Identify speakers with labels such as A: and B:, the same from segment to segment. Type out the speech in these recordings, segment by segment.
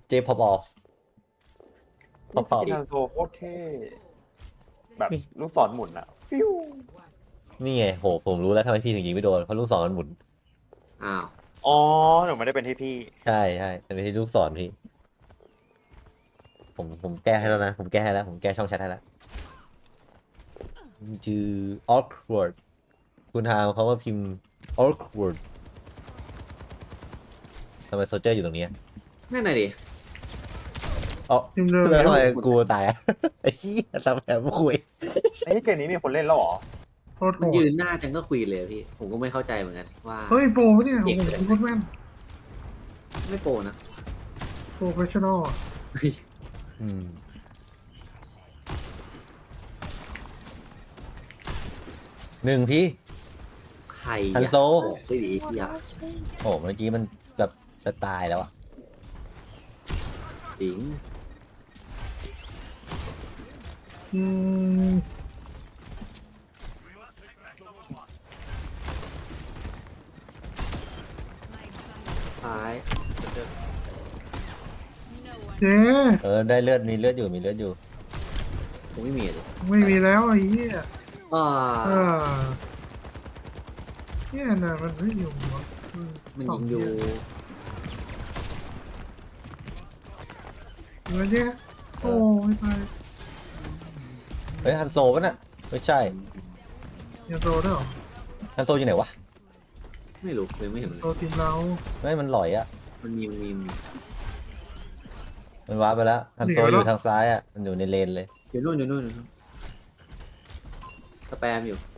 A: เจพอปออฟพอปอฟ
B: สกิลฮันโซโคตรเท่แบบลูกศรหมุนอะฟิว
A: นี่ไงโหผมรู้แล้วทำไมพี่ถึงยิงไม่โดนเพราะลูกศรมันหมุน
C: อ้าว
B: อ๋อหนูไม่ได้เป็นที่พี่
A: ใช่ใช่แต่ไม่ใช่ลูกศรพี่ผมแก้ให้แล้วนะผมแก้ให้แล้วผมแก้ช่องแชทให้แล้วชื่อ awkward คุณทามเขาว่าพิมพ์ awkward ทำไมโซเจอร์อยู่ตรงนี้
C: นั่นน่ะดิ
A: อ๋อ
D: พิมพ์เลย
A: แล้วทำไมกูตายอะ ไอ้เหี้ยซับแอบคุย
B: ไอ้เกมนี้มีคนเล่นแล้วเหรอ
D: โคตรโห
C: มัน
D: ด
C: ยืนหน้าจังก็คุยเลยพี่ ผมก็ไม่เข้าใจเหมือนกันว่า
D: เฮ้ยโปรปะเนี่ยโอ้โหโคตรแม่น
C: ไม่โปรนะ
D: โปรเฟชชั่นอล
A: อืมหนึ่งพี่
C: ใคร
A: ฮันโซ
C: สิอยาก
A: โอ้เมื่อกี้มันแบบจะตายแล้วอะ
C: จริง
D: อืม
C: ซ้าย
D: เจ๊
A: ได้เลือดมีเลือดอยู่มีเลือดอยู่
C: ผมไม่มีเลย
D: ไม่มีแล้วไอ้เหี้ย
C: อ่า
D: อ่าเนี่ยนะมันไม่อยู่วะ
C: มันยิงอยู่
D: แล้วเนี่ยโอ้ไม่ตาย
A: เฮ้ยฮันโซปะน่ะไม่ใช่
D: ยังโตด้วยเหรอ
A: ฮันโซอยู่ไหนวะ
C: ไม่รู้เลยไม่เห็นเลย
D: โตทีมเรา
A: ไม่มันหลอยอะ
C: มันมี
A: มันว้าร์ปไปแล้วฮันโซอยู่ทางซ้ายอะมันอยู่ในเลนเลย
C: อยู่นู่นอยู่นู่นอยู่นู่นสแปมอยู่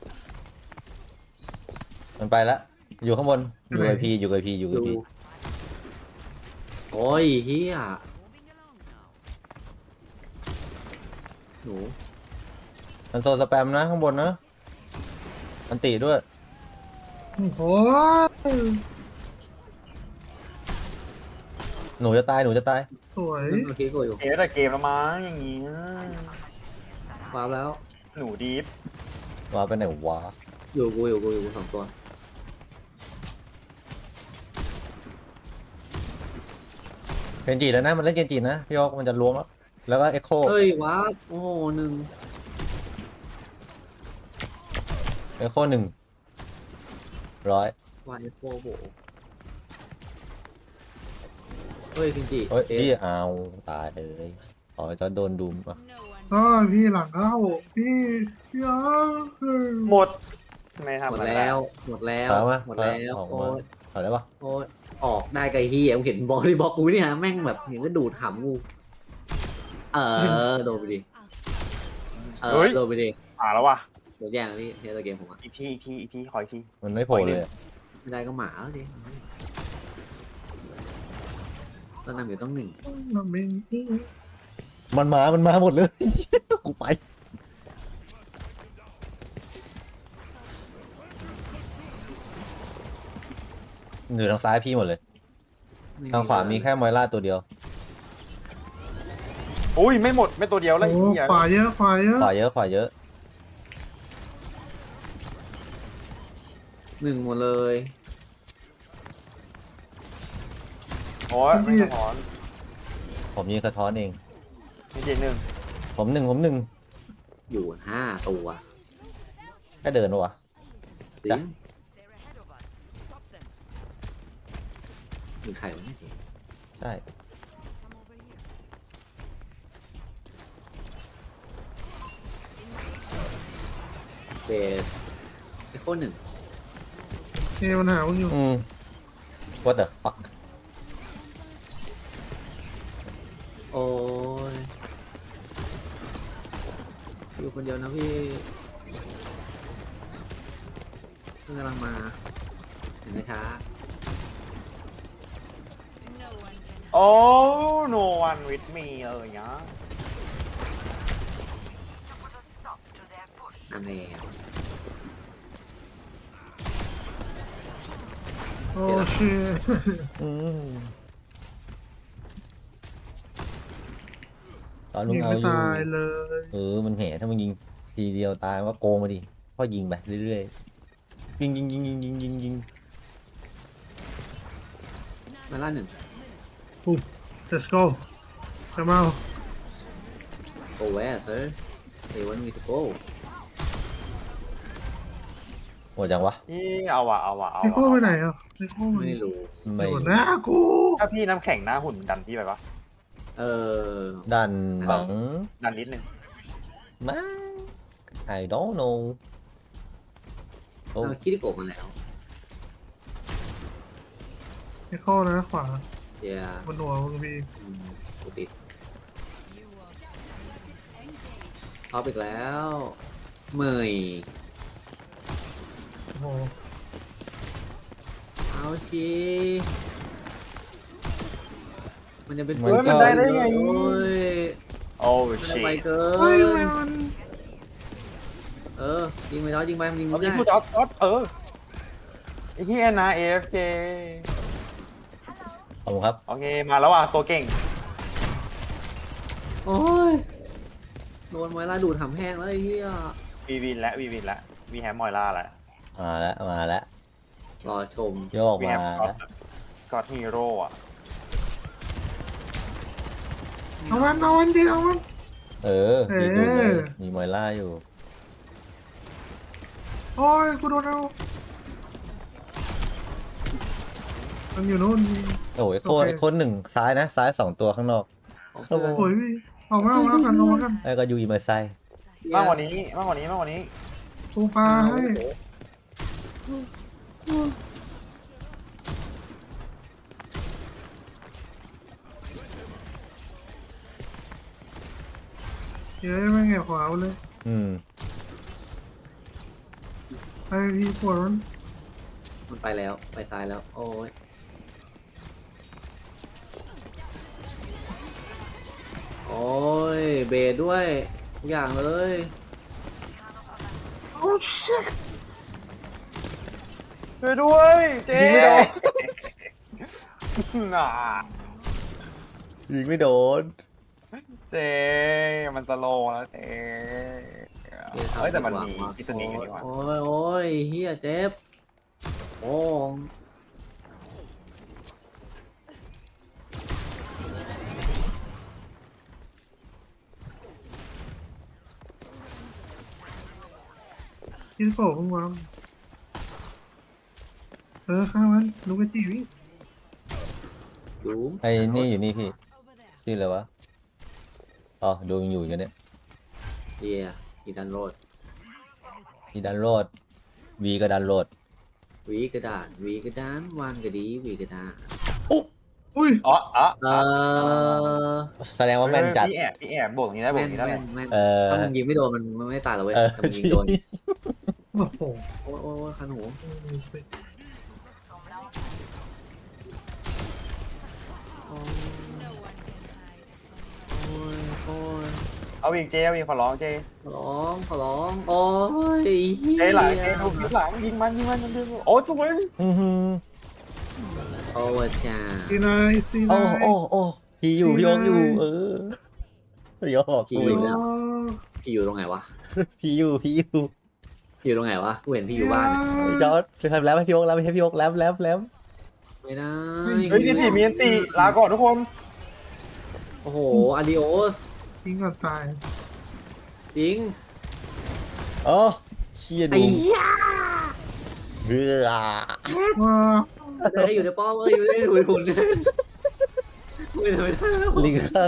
A: มันไปแล้วอยู่ข้างบนอยู่ไอพีอยู่ไอพีอยู่ไอ
C: ดู
A: พี
C: โอ้ยเฮียหนู
A: ฮันโซสแปมนะข้างบนนะอันติด้วย
D: โอ้โห
A: หนูจะตายหนูจะตาย
D: สวย
C: โอเคกูอยู่
B: เกมแต่เกมละมั้งอย่างงี้
C: วาร์ปแล้ว
B: หนูดีฟ
A: ว้าร์ปไปไหนวะ
C: อยู่กูสองตัว
A: เกนจิแล้วนะมันเล่นเกนจินะพี่ยอกมันจะล้วงแล้วแล้วก็เอ็กโค
C: เฮ้ยวาร์ปโอ้โหหนึ่ง
A: เอ็กโค100
C: วายโฟโบเฮ้ยจริงจิ
A: เฮ้ย
C: เอ๊ะ
A: พี่เอาตายเลยอ๋อจะโดนดุมอ่ะ
D: ก็พี่หลังเข้าพี่พี่อ๋อ
B: หมดไม่
C: ห
B: ทำ
C: ม
B: อะ
C: ด
B: ไร
C: แล้วหมดแล้ว
A: เอามา
C: หมดแล้ว
A: ออก
C: โอ้
A: มาย เอาได้ปะ
C: โอ้ยออกได้ไกลเฮียผมเห็นบอลที่บอกกูนี่ฮะแม่งแบบเห็นก็ดูดหำกูโดนไปดิโดนไปดิ
B: แล้ววะ
C: โดนแย่งแล้วพี่เทสเกมผมอะ
B: อีกทีขออีกที
A: มันไม่โผล่เลยอะ
C: ไม่ได้ก็หมาแล้วดิตอนนำอยู่ต้องหนึ่ง
D: มันไม่
A: มันมาหมดเลย กูไปอยู่ทางซ้ายพี่หมดเลย ทางขวามีแค่มอยล่าตัวเดียว
B: อุ้ยไม่หมดไม่ตัวเดียวแล้ว
D: โอ้
B: อีกอย่าง
D: ขวาเยอะขวาเยอะ
A: ขวาเยอะขวาเยอะ
C: หนึ่งหมดเลย
B: โอ้ยไม่สะท้อน
A: ผมยิงสะท้อนเอง
B: นี่เจหนึ่ง
A: ผมหนึ่ง
C: อยู่ห้าตัว
A: แค่เดินปะวะ
C: จริ
A: จ้ะ
C: งมีใครวะเนี่ย
A: ใช่
C: เบสไอโคหนึ่ง
D: เอมันหามึงอยู่
A: what the fuck
C: โอ้ยอยู่คนเดียวนะพี่เพิ่งกำลังมาถึงช้า
B: โอ้ no one with me เลยนะ
C: นำแล้ว
D: โอ้เชี่ย
A: อืมตอนลุง
D: ยิง
A: เอา
D: ไม่
A: อยู่
D: ตายเลย
A: มันแห่ถ้ามึงยิงทีเดียวตายว่าโกงมาดิก็ยิงไปเรื่อยๆยิง
C: มาล่าหนึ่ง
D: อุ้ย let's go come out
C: Go where sir They want me to go
A: หมดยังวะ
B: นี่เอาว่ะเอาว่ะเอา
D: ไอ้โก้ไป
B: ว่ะ
D: ไหนอ่ะไอ้โก้มัน
C: ไม่รู้
A: ไม่
D: อยู่หน้ากู
B: ถ้าพี่น้ำแข็งหน้าหุ่นดันพี่ไปปะ
C: เออ
A: ดันหวัง
B: ดันนิดนึง
A: มั้ง I don't know โอ้
C: เอาคิริโกะมาแล้ว
D: ไอ้โก้นะขวา
C: เดี๋ยว
D: บนหัวมึงมี
C: กูติดท็อปอีกแล้วเมย
D: โอ้โห
C: เอาชีมันจะเป็น
A: มัน
B: มัน
A: ก็
B: ได้ได้ไง
C: โอ้ย
B: โอ้
C: มัน
B: ชิ
C: ไปเกิ
D: เฮ้ยทำไม
C: น
D: มัน
C: เออยิงไปแล้วยิงไปมันยิง
B: เอา
C: ไม่
B: พี่
C: ได้
B: พูดจ๊อดไอ้เหี้ยนะ AFK
A: ขอบคุณครับ
B: โอเคมาแล้วว่ะตัวเก่ง
C: โอ้ยโดนไวล่าดูดทำแห้งแล้วไอ้เหี้ย
B: วีวินและวีวินและวีแฮมมอยล่าและ
A: มาแล้วมาแล้ว
C: รอชม
A: โยก
B: วี
A: มา
B: แฮม
A: แล้ว
B: ก็อดฮีโร่อะ
D: เอามันดิเอามัน
A: เออมีดูเลย
D: เออ
A: มีมอยล่าอยู่
D: โอ้ยกูโดนเอามันอยู่นู่น
A: โอ้ยโคน
D: โอเค
A: โคนหนึ่งซ้ายนะ ซ้าย2 ตัวข้างนอก
C: ของเพื่อน
D: โอ้ยพี่เอามากันเอามากัน
A: ไอ้ก็ยูอีมาไซ
B: มากกว่านี้มากกว่านี้มากกว่านี้
D: กูปลาให้เย้ยไม่เงี้ยขวาเลย
A: อืม
D: ไอพี่ปวดมัน
C: มันไปแล้วไปซ้ายแล้ว โอ้ยโอ้ยเบรดด้วยทุกอย่างเลย
D: โอ้ชิต
B: ช่วยด้วยเจ๊
A: ยิงไม่โดน
B: น่า
A: ยิงไม่โดน
B: เจ๊มันสโลว์แล้วเจ๊เฮ้ยแต่มันมีพิษณีอยู่นี่หว่า
C: โอ้ยโอ้ยเฮียเจ็บโอ้ง
D: กินโผล่มึงวางข้ามันลูกกระจิ๋ว
C: ดู
A: ไอ้นี่อยู่นี่พี่ชื่ออะไรวะอ๋อดูมันอยู่กันเนี่ย
C: เฮียกีดันโรด
A: มีดันโรดวีก็ดันโรด
C: วีกระดานวีกระดานวางกระดีวีกระดาน
D: อุ้ย
B: อ๋ออ๋อ
C: เออ
A: แสดงว่าแม่นจัด
B: พี่แอบโบกนี้ได้โบก
C: แม่น
B: นี้ได้
C: แม่นแม่น
A: เออ
C: ถ้ามึงยิงไม่โดนมันไม่ตายหรอกเว้ย
A: เออ
C: แต่มึงยิงโดน
D: โอ้โห
C: โอ้ยโอ้ยคันหูโอ้ยโอ้ยโอ้ย
B: เอาอีกเจ๊เอาอีกขอร้องเจ๊
C: ขอร้องโอ้ยเฮีย
B: เจ๊หลังเจ๊ถูกหลังยิงมันโอ้สวย
A: อื้อหือ
C: โอ้ยจ้า
D: ซีนายซี
A: โอ้
D: นาย
A: โอ้พี่อยู่พี่ยกอยู่ เออพี่ยก
C: พี่
A: กู
C: อยู่
A: อีก
C: แล้
A: แล้ว ว
C: พี่อยู่ตรงไหนวะ
A: พี่อยู่
C: พี่อยู่ตรงไหนวะกูเห็นพี่อยู่บ้าน
A: จอร์ดทำแล้วให้พี่ยกแล้วให้พี่ยกแล้ว
C: ไม่ได้
B: เฮ้ยพี่มีอันตีลาก่อนทุกคน
C: โอ้โหอาดิโอส
D: ทิ้งก่อนตาย
C: จริง
A: โอ้เชี่ย
C: ไอ้
A: ดู
C: เหี้ย
A: เรือ
D: ว้า
C: จะให้อยู่ในป้อมอยู่ในถุยหุ่นไม่ได้แล้ว
A: ลิงข้าง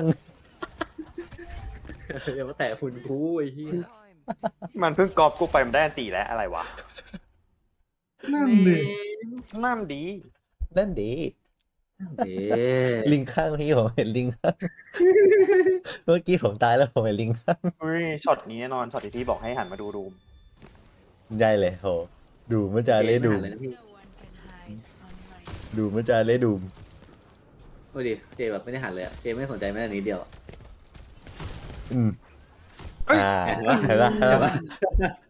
C: อย่ามาแตะหุ่นกูไอ้เหี้ย
B: มันเพิ่งกอบกูไปมันได้อันตีแล้วอะไรวะ
D: นั่นดิ
B: นั่นดี
A: นั่นดี
C: เอ๊ะ
A: ลิงข้างพี่ผมเห็นลิงข้างเมื่อกี้ผมตายแล้วผมเห็นลิงข้าง
B: เฮ้ยช็อตนี้แน่นอนช็อตที่พี่บอกให้หันมาดูรูม
A: ได้เลยโหดูมันจะเลยดู
C: เลยนะพี่
A: ดูมันจะเลยดู
C: ดูดิเจแบบไม่ได้หันเลยอะเจไม่สนใจแม้แต่นิดเดียวอะ
A: อืม
B: เฮ้ย
A: เห็นปะ